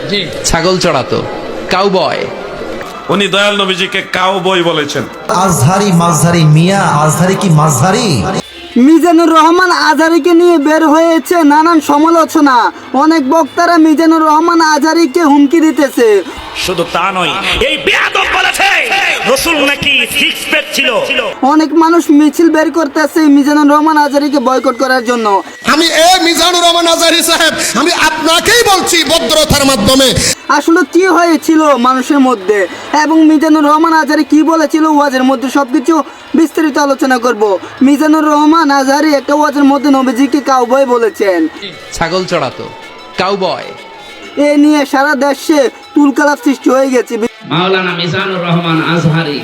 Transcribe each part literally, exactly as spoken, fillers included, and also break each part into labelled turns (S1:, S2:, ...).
S1: ছাগল চড়াতো, কাউবয়।
S2: উনি দয়াল নবীজিকে কাউবয় বলেছেন।
S3: আজহারি মাঝহারি মিয়া, আজহারি কি মাঝহারি?
S4: মিজানুর রহমান আজহারীকে নিয়ে বের হয়েছে নানান সমালোচনা। অনেক বক্তারা মিজানুর রহমান আজহারীকে হুমকি দিতেছে।
S5: শুধু তা নয়, এই বেয়াদব বলেছে রাসূল নাকি সিক্স প্যাক ছিল।
S4: অনেক মানুষ মিছিল বের করতেছে মিজানুর রহমান আজহারীকে বয়কট করার জন্য।
S6: আমি এ মিজানুর রহমান আজহারী সাহেব, আমি আপনাকেই বলছি ভদ্রতার মাধ্যমে,
S4: আসলে কি হয়েছিল মানুষের মধ্যে এবং মিজানুর রহমান আজহারী কি বলেছিল ওয়াজের মধ্যে সবকিছু বিস্তারিত আলোচনা করব। মিজানুর রহমান আজহারী একটা ওয়াজের মধ্যে নবীজিকে কাউবয় বলেছেন,
S1: ছাগল চড়াতো, কাউবয়।
S4: এ নিয়ে সারা দেশে তুলকালাপ সৃষ্টি হয়ে গেছে।
S7: মাওলানা মিজানুর রহমান আজহারী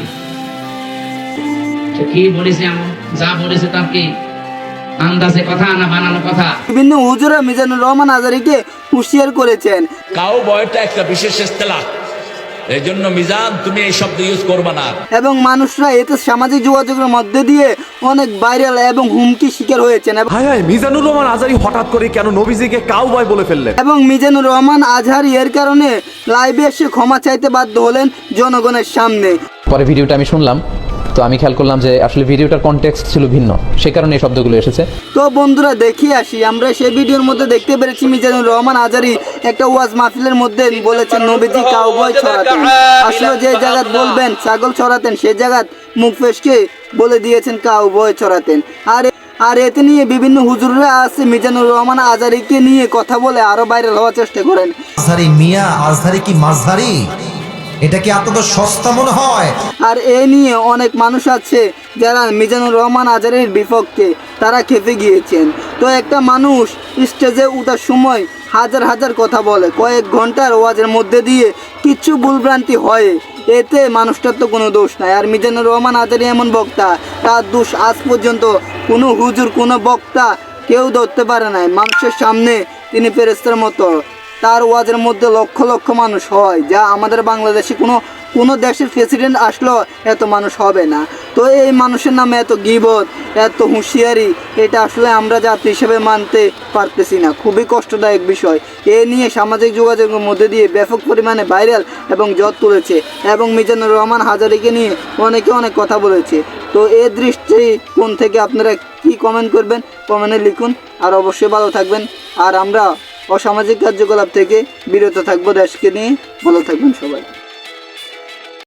S7: কি বলেছে, যা বলেছে তার কি আন্দাজে কথা না বানানো কথা?
S4: বিভিন্ন হুজুরা মিজানুর রহমান আজহারীকে হুঁশিয়ার করেছেন।
S8: কাউবয়টা একটা বিশেষ ইস্তেলাহ, এই জন্য মিজান তুমি এই শব্দ ইউজ করবে না।
S4: এবং মানুষরা এতে সামাজিক যোগাযোগের মধ্যে দিয়ে অনেক ভাইরাল এবং হুমকি শিকার হয়েছেন।
S9: হায় হায়, মিজানুর রহমান আজহারী হঠাৎ করে কেন নবীজিকে কাউবয় বলে ফেললেন?
S4: এবং মিজানুর রহমান আজহারী এর কারণে লাইভে এসে ক্ষমা চাইতে বাধ্য হলেন জনগণের সামনে।
S10: পরে ভিডিওটা আমি শুনলাম, তো আমি খেয়াল করলাম যে আসলে ভিডিওটার কনটেক্সট ছিল ভিন্ন, সে কারণে এই শব্দগুলো এসেছে।
S4: তো বন্ধুরা দেখি আসি, আমরা সেই ভিডিওর মধ্যে দেখতে পেরেছি মিজানুর রহমান আজহারী একটা ওয়াজ মাহফিলের মধ্যে বলেছেন নবীজি কাউবয় ছড়াতেন। আসলে যে জায়গাত বলবেন ছাগল ছড়াতেন সেই জায়গাত মুখ ফেসকে বলে দিয়েছেন কাউবয় ছড়াতেন। আর আর এতে নিয়ে বিভিন্ন হুজুররা আছে মিজানুর রহমান আজহারীকে নিয়ে কথা বলে আরো ভাইরাল হওয়ার চেষ্টা করেন।
S3: আজহারি মিয়া, আজহারি কি মাঝহারি? এটা কি আপনাদের সস্তা মনে হয়?
S4: আর এ নিয়ে অনেক মানুষ আছে যারা মিজানুর রহমান আজহারীর বিপক্ষে, তারা খেপে গিয়েছেন। তো একটা মানুষ স্টেজে উঠার সময় হাজার হাজার কথা বলে, কয়েক ঘন্টার ওয়াজের মধ্যে দিয়ে কিচ্ছু ভুলভ্রান্তি হয়, এতে মানুষটার তো কোনো দোষ নাই। আর মিজানুর রহমান আজহারী এমন বক্তা, তার দোষ আজ পর্যন্ত কোনো হুজুর কোনো বক্তা কেউ ধরতে পারে নাই। মানুষের সামনে তিনি ফেরেশতার মতো, তার ওয়াজের মধ্যে লক্ষ লক্ষ মানুষ হয়, যা আমাদের বাংলাদেশে কোনো কোনো দেশের প্রেসিডেন্ট আসলেও এত মানুষ হবে না। তো এই মানুষের নামে এত গীবত, এত হুঁশিয়ারি, এটা আসলে আমরা জাতি হিসেবে মানতে পারতেছি না। খুবই কষ্টদায়ক বিষয়। এ নিয়ে সামাজিক যোগাযোগের মধ্যে দিয়ে ব্যাপক পরিমাণে ভাইরাল এবং জট তুলেছে এবং মিজানুর রহমান আজহারীকে নিয়ে অনেকে অনেক কথা বলেছে। তো এ দৃষ্টিকোণ থেকে আপনারা কি কমেন্ট করবেন কমেন্টে লিখুন। আর অবশ্যই ভালো থাকবেন। আর আমরা অসামাজিক কার্যকলাপ থেকে বিরত থাকবো দেশকে নিয়ে। ভালো থাকবেন সবাই।